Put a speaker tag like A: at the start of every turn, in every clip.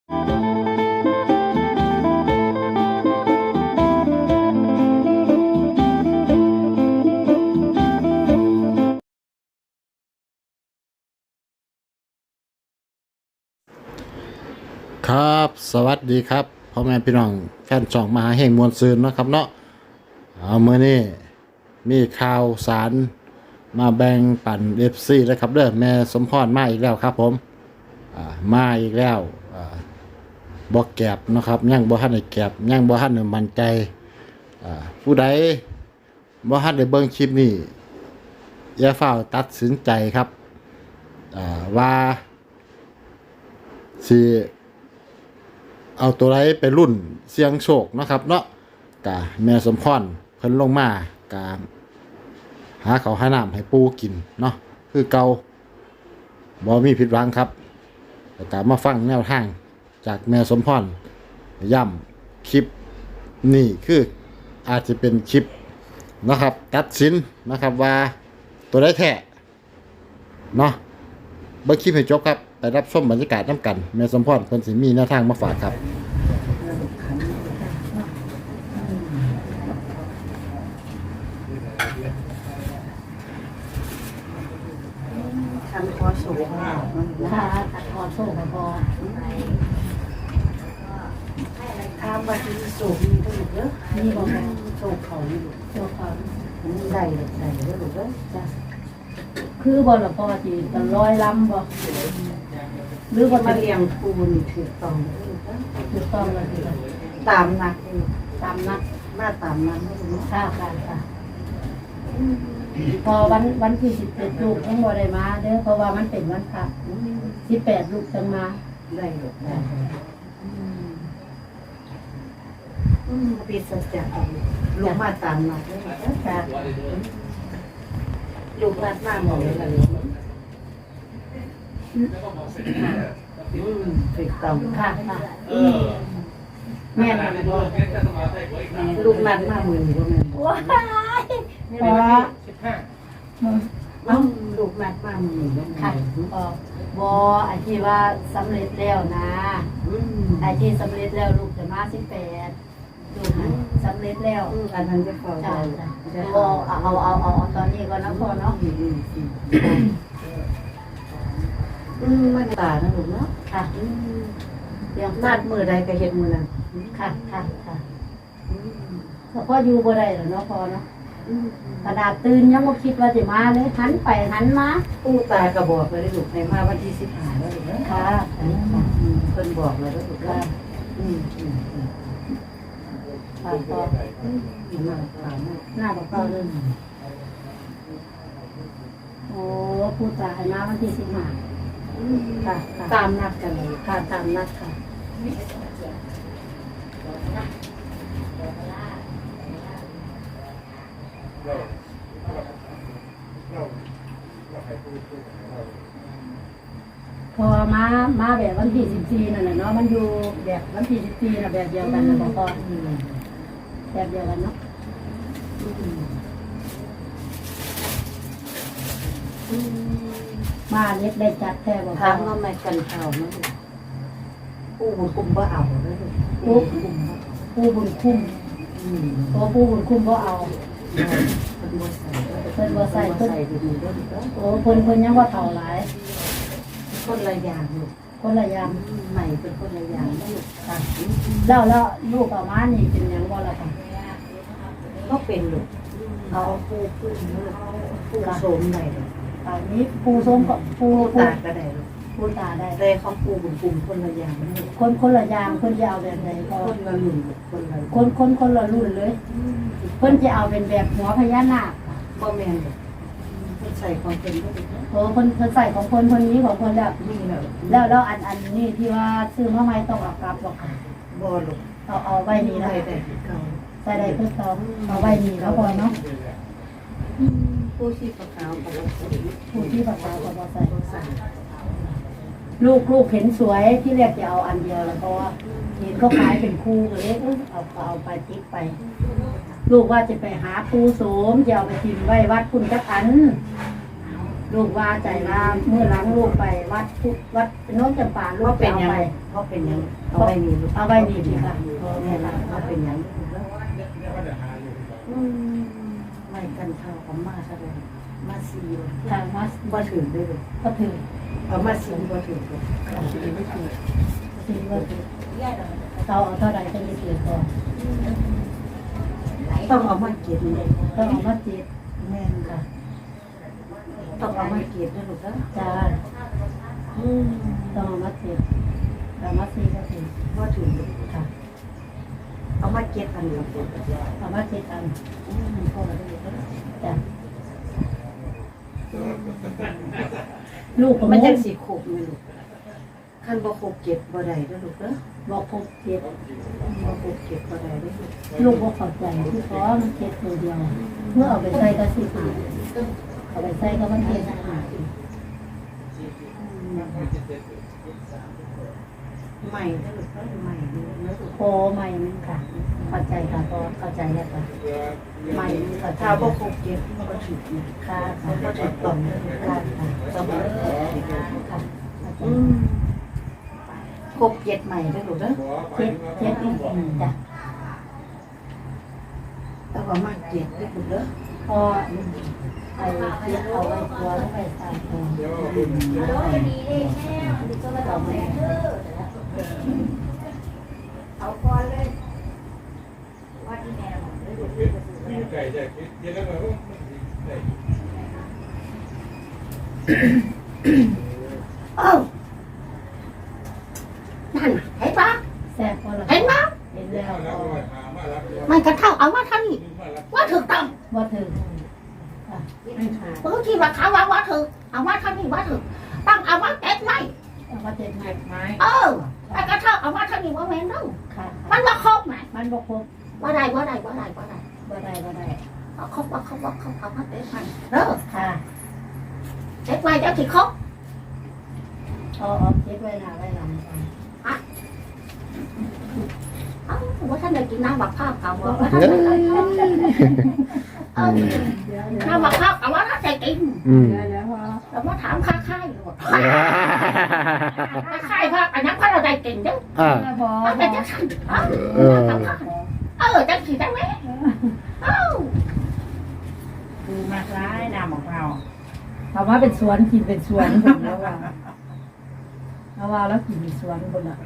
A: ครับสวัสดีครับพ่อแม่พี่น้องแฟนช่องมหาแห่งมวลซืนนะครับเนาะเมื่อนี้มีข่าวสารมาแบ่งปันFCนะครับเด้อแม่สมพรมาอีกแล้วครับผมมาอีกแล้วบ่แก็บนะครับยังบ่ทันได้แก็บยังบ่ทันได้มั่นใจผู้ใดบ่ทันได้เบิ่งคลิปนี้อย่าเฝ้าตัดสินใจครับว่าสิเอาตัวไรไปรุ่นเสียงโชคนะครับเนาะกะแม่สมพรเพิ่นลงมากะหาเขาวหาน้ำให้ปูกินเนาะคือเก่าบ่มีผิดหวังครับแต่กะมาฟังแนวทางจากแม่สมพรย้ำคลิปนี่คืออาจจะเป็นคลิปนะครับตัดสินนะครับว่าตัวไรแท้เนาะเบิ่งคลิปให้จบครับไปรับชมบรรยากาศน้ำกันแม่สมพรเพิ่นสิมีแนวทางมาฝากครับ
B: ทำคอสูง
C: ค่ะตัดคอโชคพอ
B: ทำมาที่สูงมีก็อยู่เยอะ
C: นี่บอกว่า
B: โชคเขาอยู่
C: โชคเขา
B: ได้ได้เยอะเลย
C: จ้ะคือบอลพอจีกันร้อยล้ำบ่หรือว่า
B: มา
C: มา
B: เลี้ยงปูนี่ถือต้อง
C: ถูกต้องแล้วคือ
B: ตามนัก
C: ตามนัด
B: มาตามนักไม่รู้
C: ค่าค่ะพอวันที่17ลูกยังบ่ได้มาเด้อเพราะว่ามันเป็นวันพระ18ลูกจังมา
B: ได้หรอกได้ปีสัจจะลูกมาตามนักเลย
C: ค่ะ
B: ลูกนัดมาหมดเลยละลูกถูกต้อง
C: ค่ะแม่นบ่
B: ลูกนัดมาหมื่นก็แม่
C: ว้ายพอ
B: ลูกนัดมาหมื่นก็
C: ค่ะ
B: แม่
C: บอไอที่ว่าสำเร็จแล้วนะไอที่สำเร็จแล้วลูกจะมา18ลูกนะสำเร็จแล้ว
B: อันนั้นจะพอ
C: จ้า
B: ได้
C: บอเอาตอนนี้ก่อนนะพ่อเนาะ
B: มันตานะลูกเนาะ
C: ค่ะเรียง
B: นาดมือใดก็เห็นมือนั้น
C: ค่ะพ่ออยู่บ่ได้หรอเนาะพ่อเนาะขนาดตื่นยังบ่คิดว่าจะมาเลยหันไปหันมา
B: ปู่ตากระบอกเลยลูกในมาวันที่15แล้วลูกเนาะ
C: ค่ะ
B: เพิ่นบอกเลยลูก
C: ค่ะ
B: ค่ะ
C: พ่อ
B: มาถาม
C: หน้าบอกพ่อเลยโอ้ผู้ตายมาวันที่15ค่ะ
B: ตามนัดกันเลย
C: ค่ะตามนัดค่ะพอมาแบบวันที่14นั่นแหละเนาะมันอยู่แบบวันที่14น่ะแบบเดียวกันนะพ่อแบบเดียวกันเนาะมาเล็กได้จัดแท้บ่
B: ถามว่าไม่กันข่าวมั้งปู่บุญคุมบ่เอาเลยลูก
C: ผู้บุญคุ้มเพราะผู้บุญคุ้มบ่เอา
B: เพิ่นบ่ใส่เพิ่นบ่ใส่ดีๆเด้อ
C: โอ้เพิ่นยังว่าเท่าหลาย
B: คนละอย่างลูก
C: คนละอย่าง
B: ใหม่เป็นคนละอย่างลูก
C: ค่ะแล้วลูกเอามานี่เป็นหยังบ่ล่ะค่ะ
B: ก็เป็นลูกเอาปูขึ้นลูกปูโสมได้ลูก
C: อันนี้ปูส้มกับปู
B: ปูตาก็ได้ลูก
C: ปูตาได้
B: แต่ของปูบุญคุมคนละอย่างลูก
C: คนละอย่างเพิ่นจะเอาแบบไหนก็
B: คนละหนึ่งคนละ
C: คนละรุ่นเลย เพิ่นจะเอาเป็นแบบหัวพญานาคค่ะ
B: บ่แม่นลูกเพิ่นใส่ของเป็นก็เป็น
C: โอ้เพิ่นใส่ของคนนี้ของคนแล้ว
B: นี่แหละ
C: แล้วอันนี้ที่ว่าซื้อมาใหม่ต้องเอากลับบ่ค่ะ
B: บ่ลูก
C: เอาไว้นี่
B: ได้
C: นะ
B: ได้เก่า
C: ใส่ได้เพิ่นต้องเอาไว้นี่แล้วพอเนาะ
B: ปูชีพขาวกับลูก
C: ผู้ที่ภาษาก็บ่ใส่
B: ใส่
C: ลูกเห็นสวยที่เรียกจะเอาอันเดียวแล้วก็เห็นเขาขายเป็นคู่ก็เลยเอาไปติ๊กไป ลูกว่าจะไปหาปูโสมจะเอาไปทิมไว้วัดคุณจักอันลูกว่าใจว่าเมื่อหลังลูกไปวัดพุทธวัดโน้นจำปาลู
B: ว่าก เป็น
C: เอา
B: ยัง
C: ไป
B: ว่าเป็นยังเอาไปนี่
C: เอาไปนี่ดีค่ะ
B: แม่ละว่าเป็นยังไม่กันเท่ากับมาซะเลยมาซี
C: ทางวัด
B: บ่ถึงด้วย
C: ก็ถือ
B: เอามาซีบ่ถึง
C: ถือว่าถือเราเอาเท่าไรก็จะถือก่อน
B: ต้องเอามาเก็บเลย
C: ต้องเอามาจิต
B: แม่นค่ะต้องเอามาเก็บด้วยลูกเด้อ
C: จ้าต้องเอามาจิตเอามาซีก็ถือ
B: บ่ถึง
C: ค่ะ
B: เอามาเก็บอันเดียว
C: เอามาจิตอัน
B: พ่อได้ลูกเด้อ
C: จ้ะลูกของ
B: มัน
C: มั
B: จั
C: น
B: งสิครบมั้ยลูกคันบ่ครบเก็บบ่ได้เด้อลูกเด้อ
C: บอกพบเจ็บ
B: บ่ครบเก็บบ่ได้เด้อ
C: ลูกบอกเข้าใจที่เพราะมันเจ็บตัวเดียว เมื่อเอาไปใส่ก็สิบาทเอาไปใส่ก็มันเจ็บหา
B: ใหม่เด้อลูกเด้อใหม่เด้อลูก
C: โอ้ใหม่นึงค่ะเข้าใจค่ะพอเข้าใจแล้วค่ะใหม่นึงเข้าใจ
B: ถ้าบ่ครบเก็บบ่ถึง
C: ค่ะค่ะ
B: บ่ถึงต้องเด้อ
C: ค่ะค่ะ
B: สมอง
C: ค่ะ
B: ครบเก็บใหม่เด้อลูกเด้อ
C: เจ็บเจ็บอีกจ้ะ
B: ต้องเอามาเก็บเด้อลูกเด้อ
C: พอไอ้เจ็บเอาไว้ตัวแล้วไปใส่ตัวเอาไป
B: เอาก่อนเลยว่าที่แม่บอกเลย
D: ไก่จะคิดเย็นแล้วมันก็ได้
B: เอ้านั่นเห็นปะ
C: แซ่บพอละ
B: เห็นปะ
C: เห็นแล้ว
D: แล้ว
C: พอ
D: ก็หามารับ
B: มันกระเท่าเอามาท่านนี่
D: มารับ
B: ว่าถูกต้อง
C: ว่าถึง
B: เมื่อกี้ว่าเขาว่าถูกเอามาท่านนี่ว่าถูกต้องเอามาเก็บไหม
C: เอาว่าเจ็บไหม
B: เออไอ้กระเท่าเอามาท่านนี่ว่าแม่นเด้อ
C: ค่ะ
B: มันว่าครบไหม
C: มันบอกครบ
B: ว่าได้
C: บ่ได้
B: เอาครบเอามาเก็บมันเด้อ
C: ค่ะ
B: เก็บไว้เจ้าที่ครบ
C: เอาเก็บไว้หน้าไว้หลังก่อน
B: เอ้าว่าท่านได้กินน้ำบักข้าวเก่าว่าท่านได้เออ
C: เดี๋ยว
B: น้ำบักข้าวเก่าว่าท่านได้กิน
C: เดี๋ยวพอ
B: แล้วมาถามค่าค่ายหมดค่ายว่าอันนั้นก็เราได้กินเด้อ
A: อ่า
C: พอ
B: เอาแต่จะสั่นจังสิได้ไหมเอ้า
E: คือมากร้ายน้ำของเรา
C: ถามว่าเป็นสวนกินเป็นสวนผมแล้วว่าเอาว่าแล้วกินเป็นสวนคนละ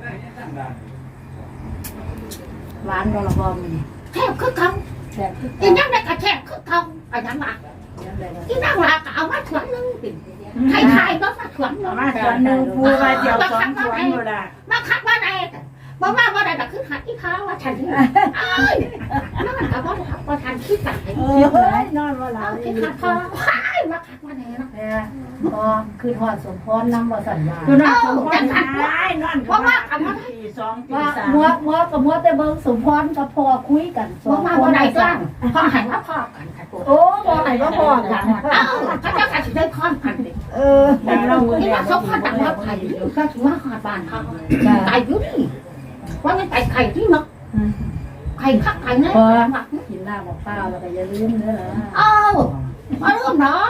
C: หวานก็ละพอมี
B: แทบคือเขา
C: แซ่บ
B: กินยังได้กระแทกคือเขาอันนั้นว่ากินนั่งลาก็เอามาถวนนึงไทยก็มาถวนนึง
E: มาสวนหนึ่งปูมาเดียวสองสวนหมดละ
B: มาคักว่าไหนบอกว่าได้แต่คือหัดที่เขาว่าฉันเอ้ยนั่นก็ว่าฉันคิดต่าง
E: เอ้ยนอนว่าหลั
B: เอา
E: บ
B: คิดหัดพอมาคักว่าไหนเนาะ
C: พอคือทอดสมพรน้ำบ่สันวา
E: คือนอนสองคนร้ายนอนตีสองตี
C: ว่า
E: สาม
C: มัวกับแต่เบิ่งสมพรกับพ่อคุยกันสอ
B: บอก
C: ง
B: ว่า
C: คน
B: ว่าไหน
C: ได้
B: ก็
C: สั่ง
B: พอหันว่าพอกันกันตัว
C: โอ้บ่ไหนว่าพ่อกัน
B: เอ้าเขาจะการได้พรกันเลย
C: เออ
E: เราเงิน
B: นี่
E: แด
B: ว่า
E: ง
B: เขาพอต่างว่าไข่ก็ถือว่าหาบ้านเขาไก่อยู่นี่ว่าไม่ไก่ไข่ที่มักไข่คักไข่เนี่ยมัก
C: กินลาบกับข้าวแล้วก็อย่าลืมเด้อล่ะ
B: เอ้ามาเริ่มเนาะ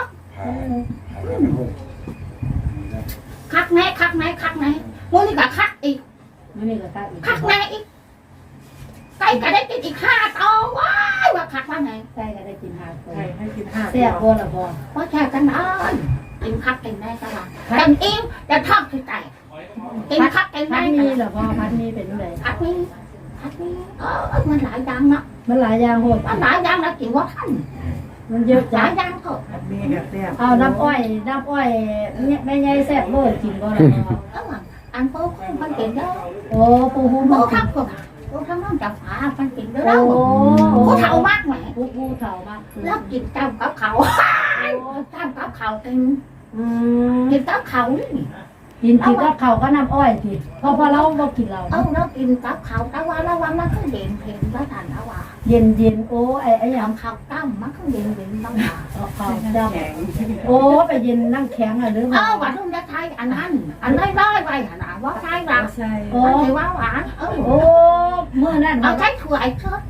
B: คักแน่วันนี้ก็คักอีก
C: มื้อนี้ก็ข้าวอีก
B: คักแน่อีกไก่ก็ได้กินอีก5 ตัวว้ายว่าคักว่าไหน
C: ใกล้ก็ได้กินหาคน
E: ใช่ให้กินห้า
C: แซ่บบ่ล่ะพ่อ
B: ว่าแค่กันนอนกินคักกินแน่ตลอดกินอิ่มจะทอดที่ไก่กินคักกิน
C: พั
B: แน่
C: ดมีเหรอพ่อพัดมีเป็นจังได๋
B: คักนี่มันหลายอย่างเนาะ
C: มันหลายอย่างโหด
B: มันหลายอย่างแล้วกินว่าท่าน
C: มันเยอะ
B: ห
C: จั
B: ลาง ยอย่างก็
E: มีกับแซ่บ
C: เอาน้ำอ้อยเนี่ยแม่ใหญ่แซ่บบ่กินบ่ล่ะพ่อ
B: อันโป๊มันกินแล้ว
C: โอ้ปูหู
B: โป๊
C: บ่
B: ทับก็โป๊ทั้งน้ำจับฝามันกินแล้
C: โอ้
B: วผู้เฒ่ามากไหม
C: ปูเฒ่ามาก
B: แล้วกินจ้ำกับเขาจ้ำกับเขากิน
C: อืม
B: กินกับเขานี่
C: กินกับข้าวก็น้ำอ้อยกินพอเราบ่กินเรา
B: แล้วกินกับเขาแต่ว่าระวังมันคือเด่นเพ่งว่าทันแล้วว่า
C: เย็นโอ้ไอ้หยัง
B: เขาตั้มมันคือเด่นต้องว่า
C: ข้าวดำ
E: แข็ง
C: โอ้ไปเย็นนั่งแข็งอ่ะหรือ
B: ว่าทุ่งจะใช้อันนั้นอันน้อยๆไปขนาดว่าใช้แบบ
E: ใช่
C: โอ้
B: มันถือว่าหวาน
C: โอ้เมื่อนั้น
B: เอาใช้ถั่วไอ้เชิด
C: เ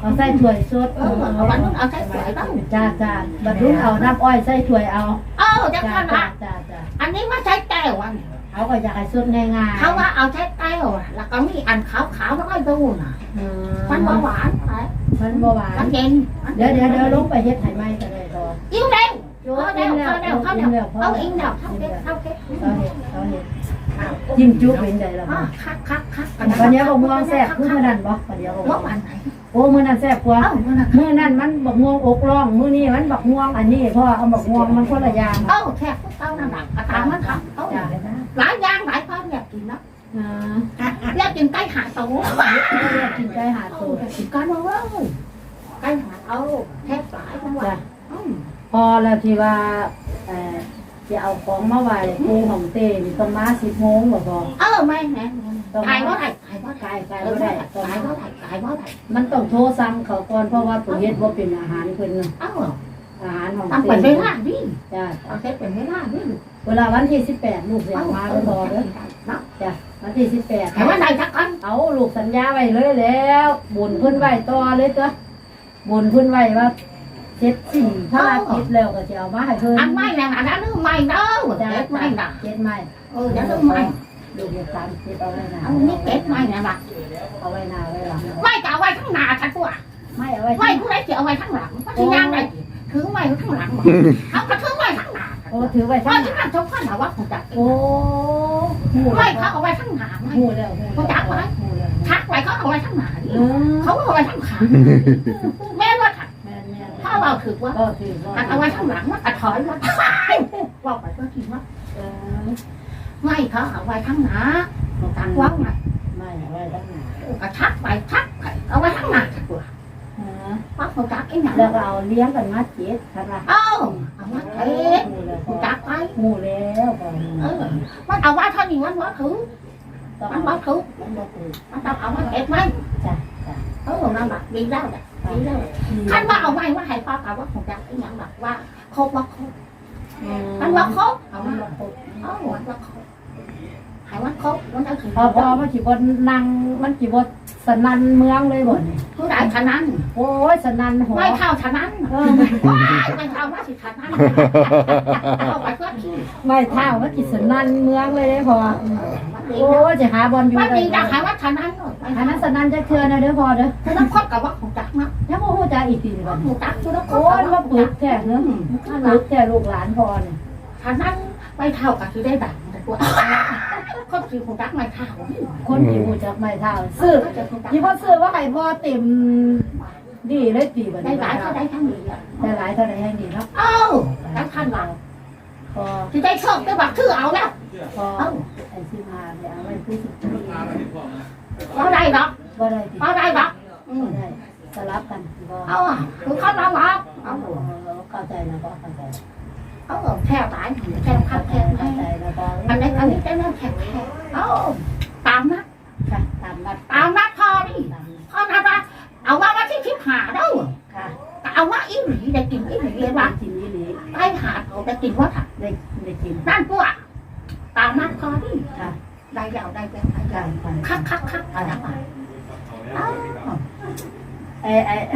C: เอาใส่ถ้วยสด
B: เอาวันนู้นเอาใส่ถ้วยบ้าง
C: จ้าจ้าบรรลุเอาน้ำอ้อยใส่ถ้วยเอา
B: จะ
C: จ้า
B: ทำ
C: จ้า
B: ละ
C: จ้าจ้า
B: อันนี้ว่าใช้แก้วอัน
C: เขาก็อยากให้สดง่ายๆ
B: เขาว่าเอาใช้แก้วแล้วก็มีอันขาวๆแล้วก็ดูน่ะมันหวาน
C: มันบ่หวาน
B: มันเย็น
C: เดี๋ยวลงไปเฮ็ดไถไม้ก็ได้ต่อ
B: อิ่มแล้ว
C: เขาเฮ็ด
B: เอาอิ่มแล้วเท่าเก็บ
C: เขาเฮ็ดจิ้มจุ๊บเป็นไดล่ะบ่
B: คัก
C: วันนี้บ่ม่วงแซ่บคือมื้อนั้นบ่วันนี้บ่
B: ว่าวันไหน
C: โอ้มื้อนั้นแซ่บกว่า
B: มัน
C: มื้อนั้นมันบักม่วงอกร่องมื้อนี้มันบักม่วงอันนี้เพราะเอาบักม่วงมันคนละอย่าง
B: แค่พวกเขานั่นแหละตามมันทำเขา
C: จ้า
B: หลายอย่างหลายความอยากกินนะ
C: อ่า
B: อยากกินไก่หาโต
C: กินได้หาตัว
B: กินกันเลยไก่หาเอาแทบหลายจังหวะ
C: พอแล้วที่ว่าจะเอาของมาไหว้ครูของเต้นี่ต้องมา10 โมงบ่พอ
B: ไม่แม่ตายว่าไทยว่าไทย
C: ไกลบ่ได้
B: ตายว่าไทยว่าไทย
C: มันต้องโทรสั่งเขาก่อนเพราะว่าตัวเฮ็ดบ่เป็นอาหารเพิ่นน่ะอาหารของ
B: ทำเป็น
C: เต้
B: ไม่ได้ดิ
C: จ้า
B: เอาเซ็ตเป็นไม่ได้ดิ
C: เวลาวันที่18ลูกสิเอามาบ่พอเด้อจ้ะวันที่18
B: แต่ว่าไหนสักกัน
C: เอาลูกสัญญาไว้เลยแล้วบุญเพิ่นไว้ต่อเลยตัวบุญเพิ่นไว้ว่าเสร็จสิ้นภารกิจแล้วก็สิเอามาให้เพิ่น
B: อันไม่นะอันนั้นไม่เด้อ
C: จ้า
B: เก็บไม่นะ
C: เจ็ดไม้
B: อย่าลืมไม่
C: ลูกอย่าตามเจ็ดเอาไว้นะ
B: อันนี้เก็บไม่นะบัก
C: เอาไว้หน้าไว้หลัง
B: ไม่จะเอาไว้ข้างหน้าฉันตัว
C: ไม่เอาไว้
B: ไม่ผู้ใดจะเอาไว้ข้างหลังก็ที่ย่างได้ถือไว้ข้างหลังเขาก็ถือไว้ข้างหน้า
C: โอ้ถือไว้
B: เพ
C: ทั้
B: ราะ
C: ง
B: ที่นั่นชาวบ้านถามว่าของจัก
C: โอ้หู
B: ไม่เขาเอาไว้ข้างหน้าไม่
C: หูแล้ว
B: ชักไว้เขาเอาไว้ข้างหน้า
C: เขา
B: เขาเอาไว้ข้างขาแม่ว่าถัก
C: แม่น
B: ถ้าเราถือว่า
C: ก็ถือ
B: เอาไว้ข้างหลังว่าถอยว่าว่าไปก็คิดว่าไม่เขาเอาไว้ข้างหน้าตักว่างไง
C: ไม่เอาไว้ทั้งหน้าก
B: ระชักไปชักไปเอาไว้ข้างหน้าถักว่าว่าเขาจักไอ้หนัง
C: แล้วก็เอาเลี้ยงกันมาเจ็ดครับล่ะ
B: เอาไว้เอ๊ะจักไป
C: หูแล้วก็
B: มันเอาไว้เท่านี้มันว่าถือ
C: ต้อง
B: มันว่าถือ
C: มันบ่ถือ
B: มันต้องเอาไว้เก็บไว้
C: จ้ะ
B: นั่นแบบดีแล้วดีแล้วท่านว่าเอาไว้ว่าให้พ่อกับว่าของจักไอ้หนังแบบว่าครบว่าครบมันว่าครบเอา
C: มั
B: มัน น
C: บ่ครบ
B: มันว่าครบหายว่าครบมันเอาถึง
C: พอมันกี่บนนั่งมันกี่บนสนันเมืองเลยบ่เนี่ย
B: ผู้ใดฉะนั้น
C: โอ้ยสนันหัว
B: ไม่เท่าฉะนั้นไม่เท่าว่าสิฉะนั้นเอาไปเพื่อที่
C: ไม่เท่ามันกี่สนันเมืองเลยเด้พอโอ้ยจะหาบอลอยู่
B: มัน
C: เล
B: ดี
C: ย
B: นะหายว่าฉะนั้น
C: อันนั้นสนันจะเทือนนะเด้อพอเด้อ
B: คือต้องคบกับว่าของจักนะ
C: ยังบ่ฮู้จักอีกทีบ่
B: ของจักคือต้องค
C: โอ้
B: บ
C: ย
B: กับ
C: มา
B: ว่า
C: ปึกแท้เนอะมาปึกแท้ลูกหลานพอเนี่ย
B: ฉะนั้นไม่เท่ากับที่ได้ดังแต่ตัวคนคือของจักไม่เท่า
C: คนที่ฮู้จักไม่เท่าซื้อที่พ่อซื้อว่าให้พ่อเต็มดีเลยตีบัด
B: ได้
C: นี้
B: หลายเขาได้ทั้งนี้
C: ได้หลายเท่าใดให้ดีเนาะ
B: เอ้าแล้วท่านว่า
C: พอ
B: ที่ได้โชคได้บักชื่อเอาแล้ว
C: พอไอ้สิมาเนี่ยเอาไว้ผู้สิ
B: เอาได้หรอก
C: บ่ได้ติ
B: เอาได้หรอก
C: บ่ได้สลับกันบ่
B: เอาคือเขาเราหรอกเอา
C: เข้าใจแล้วก็เข้าใจ
B: เอาแค่ตายแค่ขับแค่
C: เข้าใจแล้วก็
B: อันนี้จะนั่งแค่เอาตามนะ
C: ค่ะตามนัด
B: ตามนะพอนี่พอนะว่าเอาว่าที่ทิพหาเด้อ
C: ค่ะ
B: เอาว่าอีหลีได้กินอีหลีเลยว่า
C: กินยี่หลี
B: ไปหาเขาได้กินว่า
C: ได้กิน
B: นั่นตัวตามนะพอนี่
C: ค่ะ
B: ได้ยาวได้แก่ได้ยาวคักอะไรไปเอา
C: ไอ้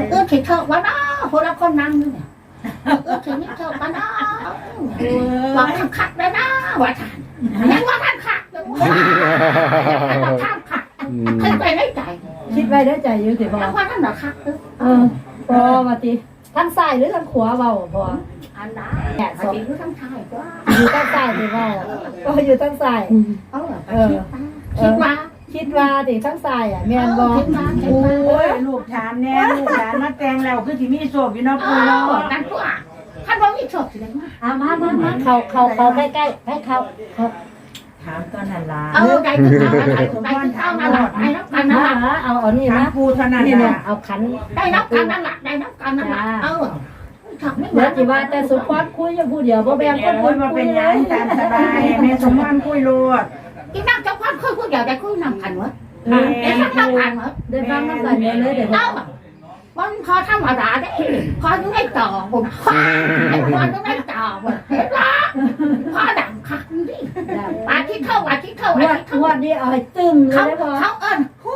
B: ถือเถอะวะนะคนละคนนั่งนี่เนี่ยถือนี่เถอะวะนะว่าคักเลยนะว่าท่านยังว่าท่านคักเลยว่าท่านคักให้ไปได้ใจ
C: คิดไว้ได้ใจอยู่สิพอ
B: แล้วว่าท่านเราคัก
C: พอมาติทั้งซ้ายหรือทั้งขวาเบาพอ
B: อันนั้นสองคือทั้งชายก็
C: อยู่ทั้งซ้ายสิเบาก็อยู่ทั้งซ้าย
B: คิดว่า
C: คิดว่าติทั้งซ้ายอ่ะแม่นบ่
E: โอ้ยลูกถามแน่ลูกหลานมาแต่งแล้วคือที่มีโศกอยู่เนาะปู่เนาะ
B: นั่นตัวท่านว่ามีโชคสิได้มา
C: เอามาเขาใกล้ๆให้เขา
E: ถามตอนนั้นล่ะ
B: ได้ถึงเอานั่นแหละได้รับการนั่นแหละ
C: เอานี่
E: ถาม
C: นะ
E: ปู่เท่านั้น
C: นี่เนี่ย
E: ล่ะ
C: เอาขัน
B: ได้รับการนั่นแหละได้รับการนั่นแหละชอบไม่เหมื
C: เดี๋
B: อย
C: วน จิว่าแต่สุขวัญคุยอยู่ผู้เดียวบ่แบ่งคน
E: โอ้ยมาเป็นหยังตามสบายแม่สมพรคุยโลด
B: ที่นั่งจะพักคุยเดียวได้คุยนำกันเหรอ
E: แม่
B: ได้นั่งกันเหรอ
C: ได้ฟังน้ำกันเลยเดี๋ยว
B: มันพอธรรมดาได้พอยังได้ต่อผมพอยังได้ต่อผมเห็นละพอดังคักดิอาทิตย์เข้า
C: งวดนี้เอาให้ตึมเลย
B: เขา
C: ได้พอ
B: เขาเอิญฮู้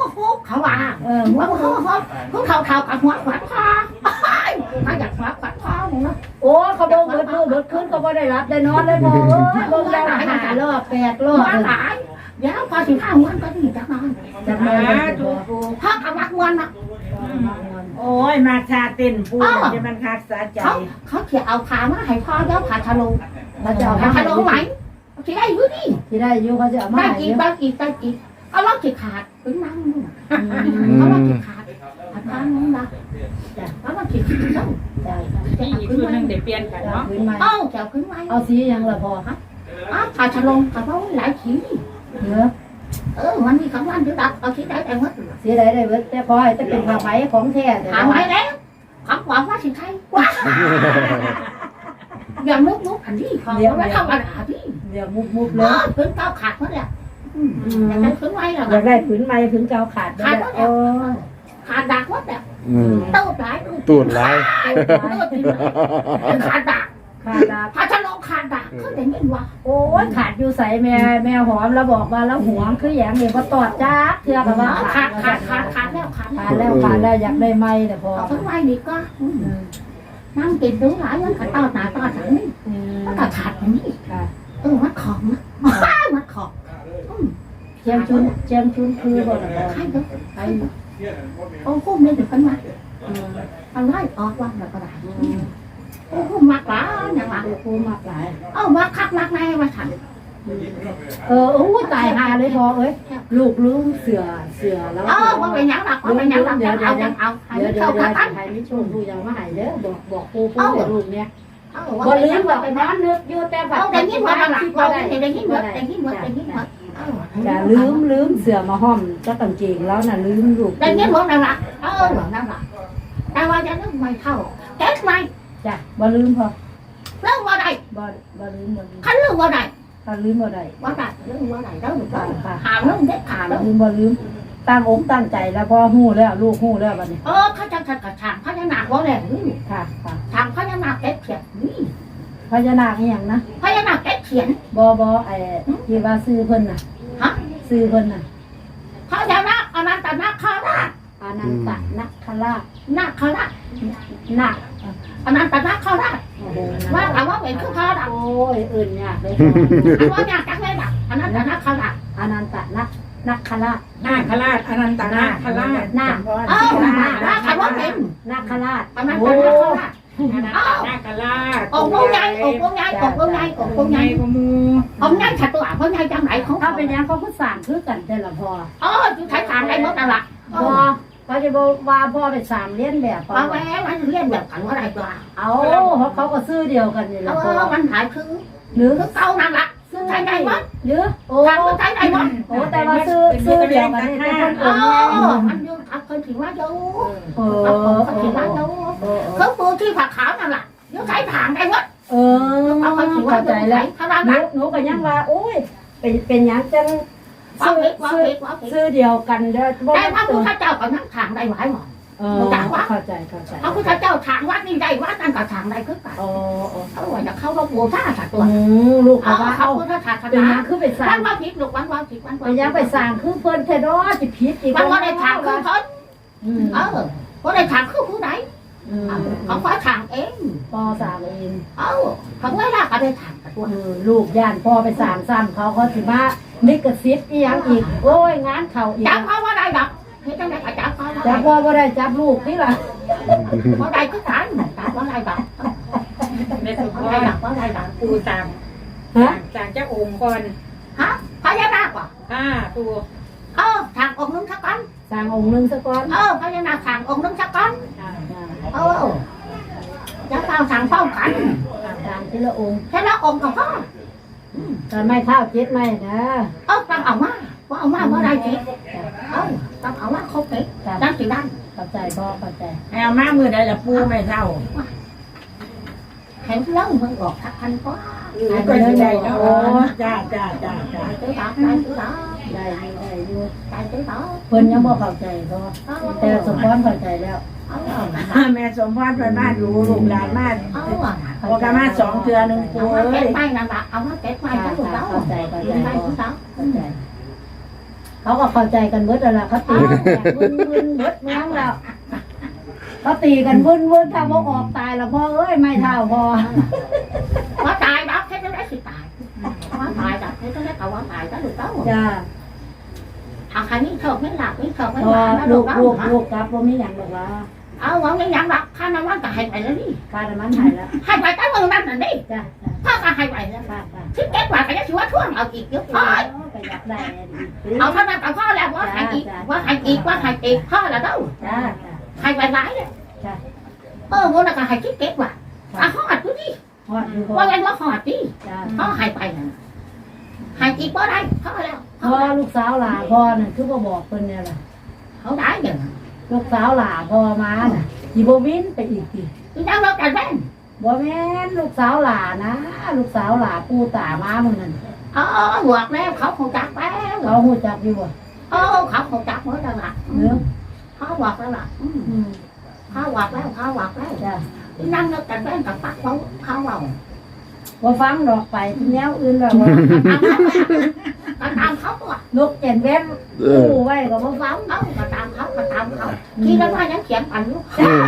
B: เขาว่าว่าเขาเท่ากับหัวขวัญคอเขาอยากหัวขวัญคอมึงเนาะ
C: โอ้เขาเบิ่งเบิดมื้อเบิดคืนเขาบ่ได้รับได้นอนเลยพ่อเอ้ยเบิ่งแล้ว5 รอบ8 รอบ
B: ว่าหลายเดี๋ยวพอสิข้าวมันก็ดีจังนอน
C: จักมาเป็นบ่
B: พ่อกับมักมันนะ
E: โอ้ยมาชาเต้นปูจะมันคักสะใจ
B: เขาเขียเอาขามาให้พ่อแล้วขาทะลุ
C: เขาจะเอา
B: ขา
C: มา
B: ทะ
C: ให้
B: ลุไหมที่ได้อยู่นี่
C: ที่ได้อยู่เขาจะเอามา
B: ได้
C: ให้
B: กิ
C: อน ยู่
B: ได้กินได้กินเอาล็อกจิขาดถึงนั่งเขาล็อกจิขาดอันนั้นนะเขาล็อกจิขาดแล้ว
E: ที่อีกคืนนึงเดี๋ยวเปลี่ยนกันเนาะ
C: พื้นไม้
B: เอ้าแถวขึ้นไว้
C: เอาสีหยังล่ะพ่อฮะ
B: ขาทะลุขาเขาหลายขี
C: เหลือ
B: มันมีคำว่าอยู่ดักเอาที่ได้แต่หมด
C: สีใดได้เบิดแต่พอให้จะเป็นผ้าไหมของแท้แต่
B: ถามไว้แล้วเขาบอกว่าสิใช่ว้าอย่างมุกอันนี้เขาไม่ทำอะไรที่
C: เดี๋ยวมุบๆเลย
B: ขึ้นเก้าขาดหมดเลยอย่างนั้นขึ้นไว้แล้ว
C: อยากได้ผืนไม้ผืนกาวขาดด้วยโอ้
B: ขาดดักหมดแล้ว
A: ตูดหลาย
B: ขาดดัก
C: ขาดดาบ
B: ถ้าจะลงขาดดักเขาแต่ไม่ว่า
C: โอ้ยขาดอยู่ใส่แม่หอมแล้วบอกว่าแล้วหวงคืออย่างนี้พอตอดจ้าเทือแบบว่า
B: ขาดแล้วขาด
C: ขาดแล้วอยากได้ไม้แต่พอ
B: เอาขึ้นไว้ดีก็นั่งกินดูหลายมันขาดต้อหนาต้อถังนี่มันก็ขาดอย่างนี้มันของมันของ
C: เจียมชุนคือบ่ล่ะ
B: ใครเด้อใครโอ้คุ้มเลยถึงกันมาเอาไล่ออกว่าแบบอะไรโอ้คุ้มมากล้าอย่างว่า
C: ครูมากหลาย
B: เอามาคักมากแน่มาถัง
C: โอ้ตายหาเลยพอเอ้ยลูกลืมเสือแล้ว
B: ว่าไปยังหลักว่าไปยังหลักเอายังเอา
C: เดี๋ยว
B: เข้ากัน
C: ให้มิชมดูอย่างมาให้เด้อบอกครูลูกเนี่ย
B: เอา
C: บ่ลืมบอกไปนอนนึกอยู่แต่ผัด
B: เอาได้ยินว่าหลักเอาได้ยินว่าได้ยินว่าได้ยินว่า
C: จะลืมเสือมาห้อมก็กางเกงแล้วน่ะลืมลูก
B: ได้ยินว่าหลักนั่นหลักแต่ว่าจะนึกไม่เท่าแก๊สไม่
C: จ้ะบ่ลืมพอ
B: เรื่องว่าใด
C: บ่ลืม
B: คันเรื่องว่าใด
C: ถ้าลืมบ่ได้
B: ว่าใดเรื่องว่าใดแล้วหาเรื่องเด็ดขาดแล้ว
C: บ่ลืมตั้งอกตั้งใจแล้วพอฮู้แล้วลูกฮู้แล้วบัดนี้
B: เขาจะกระชากพญานาคว่าแหล่นี่
C: ค่ะ
B: ทางพญานาคเก็บเขียนนี่
C: พญานาคอีหยังนะ
B: พญานาคเก็บเขียน
C: บ่ไอ้ที่ว่าซื้อเพิ่นน่ะ
B: ฮะ
C: ซื้อเพิ่นน่ะ
B: พญานาคอนันตนาคราช
C: อนันตนักขราช
B: นาคราช
C: นัก
B: อนันตนาคราช
C: โอ้โห
B: ว่าแต่ว่าเป็นคือพระดัก
C: โอ้ยอื่นยากเลย
B: อันว่าอยากจังเลยดักอนันตนาคราช
C: อนันตนักขราช
E: นาคราชอนันตนาคราช
C: นาค
B: นาคว่าเป็น
C: นักขราช
B: อนันตนาคราช
E: นาคราช
B: องค์ใหญ่องค์ใหญ่องค์ใหญ่องค์ใหญ่
E: กมู
B: องค์ใหญ่ขัดตัวองค์ใหญ่จังไหนของ
C: ถ้า
B: เขา
C: เป็นอย่างเขาก็สั่งคือกันแต่ละพอ
B: จุดท้ายสามได้หมดแล้วล่ะ
C: พอเขาจะบอกว่าพ่อไปสามเลี้ยนแบบ
B: เอาไว้มันเรียนแบบกันว่าอะไรตัว
C: เอาเพราะเขาก็ซื้อเดียวกันนี่แหละพอ
B: มันหายคือ
C: หรือ
B: คือเก่านั่นละซื้อใช้ได้หมด
C: หรือโอ้
B: ทางก็ใช้ได้หมด
C: โอ้แต่ว่าซื้อเดียวกันนี่แต่คน
B: เอ
C: อื่น
B: มันอยู่ทับคนถือว่าเยอะ
C: เอ
B: เขาถือว่าเยอะเขาปูที่ผักขาวนั่นแหละเดี๋ยวใช้ถางได้หมด
C: เข้าใจแล้ว
B: เท่านั้นแหละ
C: หนูก็ยังว่าโอ้ยเป็นอย่างจังซื้อเดียวกันเด้อ
B: แต่พระพุทธเจ้าก็นั่งถางได้หลายหมด
C: เข้าใจ
B: พระพุทธเจ้าถางวัดนี่ได้วัดนั่นก็ถางได้คือกันเขาว่าจะเข้าลบโบท่าสัตว์ตัว
C: ลูกเขาว่า
B: เขา
C: เอา
B: พุทธศาส
C: เป็น
B: นา
C: ยังคือไปสร้า
B: วั
C: ง
B: นว่าผิดลูกวันว่าผิดวัน
C: ไปยังไปสร้างคือเพิ่นเทดอจิผิดอีก
B: วันว่าได้ถางคือเขาว่าได้ถางคือผู้ใดเขาฟ้าถางเอง
C: พ่อสร้างเอง
B: เขาไม่ได้ก็ได้ถางตัว
C: ลูกย่านพ่อไปสร้างซ้ำเขาสิมานิกซิปอีหยังอีกโอ้ยงานเขาอีก
B: จับเขาว่าได้ดอกเฮ้ยจังได๋จับเขา
C: จับพ่อบ่ได้จับลูกนี่ล่ะ
B: ว่าได้คือกันจับว่าได้ดอก
E: ในสุข
B: ว่าได้ดอกว่าได้ดอก
E: ปูตาม
C: ฮะ
E: จากเจ้าองค์ก่อน
B: ฮะพญานาคว่ะ
E: ปู
B: ถางองค์นึงสักก้อน
C: สร้างองค์นึงซะก่อน
B: พญานาคถางองค์นึงสักก้อนจะเฝ้าถางเฝ้ากัน
C: สร้างทีละองค์
B: แค่ละองค์ก็พอ
C: แต่ไม่เท่าเจ็ดไม่นะ
B: ต้องเอามาว่าเอามาเมื่อไรจีต้องเอามาครบเลยนั่นสินั่น
C: เข้าใจพ่อเข้าใจ
E: เอามามือใดละปูไม่เท่า
B: เห็นแล้วมึงออกทักพันก็
E: ก็ได้เนาะจ้า
B: ตื้อดอกได้ตื้อดอก
C: ได้อยู่
B: ได้ตื้อดอก
C: เพิ่นยังบ่เข้าใจพ่อแต่สมพรเข้าใจแล้ว
E: แม่สมพรไปบ้านรู้ลูกหลานมาพอกามา2 เทื่อนึงปู
B: เอามา
E: เอ้
B: เก็
E: ย
B: บไม้นั่นละเอามาเก็บไม้ทั้งหมดแล้ว
C: เข้าใจ
B: ไม้ทั้งหมด
C: เข้าใจเขาก็เข้าใจกันเบิดแล้วล่ะเขาตีกันวุ่นเบิดเมืองแล้วเขาตีกันวุ่นถ้าบ่ออกตายแล้วพ่อเอ้ยไม่เท่าพ่อ
B: ว่าตายđó thế nó lấy thì tài quá tài đó thế nó lấy cậu quá tài đó được đó
C: จ้า
B: học hành những thợ mấy lạc mấy thợ mấy
C: พอ
B: lạc nó
C: ลู
B: được
C: ก
B: đó
C: ลูกกลับบ่มีหยังดอกว่า
B: vẫn cái nhận lạc khai năm cái hai bài đó đi
C: ค่าน้ำมันหายแล้ว
B: hai bài tới mừng năm rồi đi
C: จ้า
B: có cả hai bài đó
C: ค่ะ
B: thích kết quả cái đó chỉ quá thua ở kịp trước thôi
C: ก็อยากได้ดี
B: ở thân năm cậu khó là quá hai kịp khó là đâu
C: จ้า
B: hai bài lái đấy bữa là cả hai thích kết quả khó hạt cứ đi
C: ฮอดอยู่พ่อ
B: qua anh quá hạt đi
C: จ้า
B: có hai bài này hai kịp qua đây khó là
C: พ่อลูกสาวหลาพ่อน่ะคือบ่บอกเพิ่นเนี่ยล่ะ
B: không đái giờ
C: ลูกสาวหลาพ่อมาน่ะสิบ่วินไปอีกติ
B: đi đâu đâu cả bên
C: บ่แม่นลูกสาวหลานะ ลูกสาวหลาปู่ตามามื้อนั้น
B: quạt leo khóc không chặt bé
C: เขาฮู้จักอยู่บ่
B: khóc không chặt mới đâu là
C: เนื้อ
B: khó quạt đó là
C: อืม
B: khó quạt leo
C: จ้า
B: đi năng nó cạnh bên cặp bắt không khó vào
C: บ่ฟังดอกไปแนวอื่นแล้วว่า
B: cả tam khóc à
C: นกแก่นแว่น
A: เออ
C: กู้ไว้ก็บ่ฟัง
B: đó cả tam khóc khi đó qua nhắn chém ảnh lúc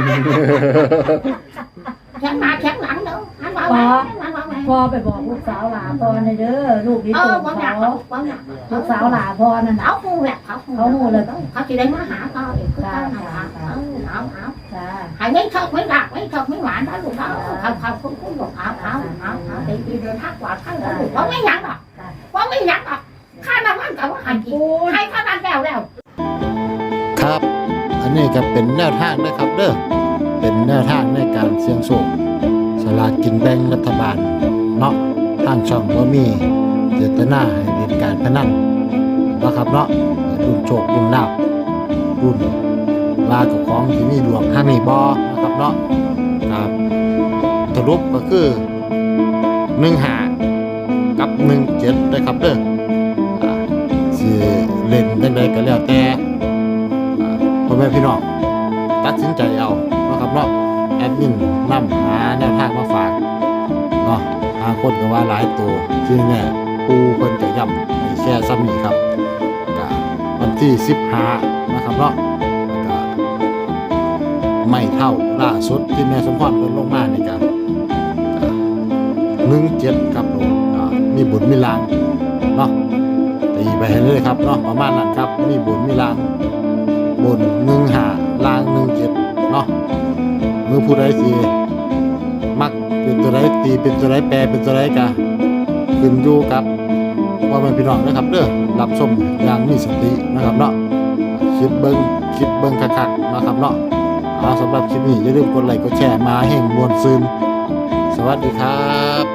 B: chém mà chém lẳng nữa anh bảo mẹ
C: พ่อไปบอกลูกสาวหลาพ่อในเด้อลูกนี่ตัว
B: quán nhạc
C: เขา
B: quán nhạc
C: ลูกสาวหลาพ่อนั่นน่ะ
B: áo phu đẹp họ chỉ đánh má hả coi cứ coi nào hả áo
C: จ้า
B: hãy mấy thợ mấy lạc mấy ngoạn đó luôn đó không cũng được áo đi đưa thác quạt thác đó được có mấy nhắn rồi có mấy nhắn rồi khai năm ăn cả hành gì hai khai năm đèo đèo
A: ครับ อันนี้ก็เป็นแนวทางนะครับเด้อเป็นแนวทางในการเสี่ยงโชคสลากกินแบ่งรัฐบาลเนาะทางช่องบ่มีเจตนาให้เล่นการพนันนะครับเนาะรุ่นโชครุ่นลาภรุ่นว่ากับของที่มีดวงห้ามีบ่นะครับเนาะครับสรุปก็คือ15กับ17นะครับเด้อสิเล่นจังไดก็แล้วแต่พ่อแม่พี่น้องตัดสินใจเอานะครับเนาะแอดมินนำหาแนวทางมาฝากเนาะหาคนก็ว่าหลายตัวที่แน่ปูเพิ่นก็ย้ำให้แค่ซ้ำนี้ครับก็วันที่15นะครับเนาะแล้วก็ไม่เท่าล่าสุดที่แม่สมพรเพิ่นลงมานี่ก็17ครับผมมีบุญมีลางเนาะตีไปให้เลยครับเนาะประมาณนั้นครับมีบุญมีลางบน15ลาง17เนาะมือผู้ใดสิมักเป็นตัวใดตีเป็นตัวใดแปลเป็นตัวใดก็ขึ้นอยู่กับว่าแม่พี่น้องนะครับเด้อรับชมอย่างมีสตินะครับเนาะคิดเบิ่งคักๆนะครับเนาะสำหรับคลิปนี้อย่าลืมกดไลค์กดแชร์มาให้มวลซืนสวัสดีครับ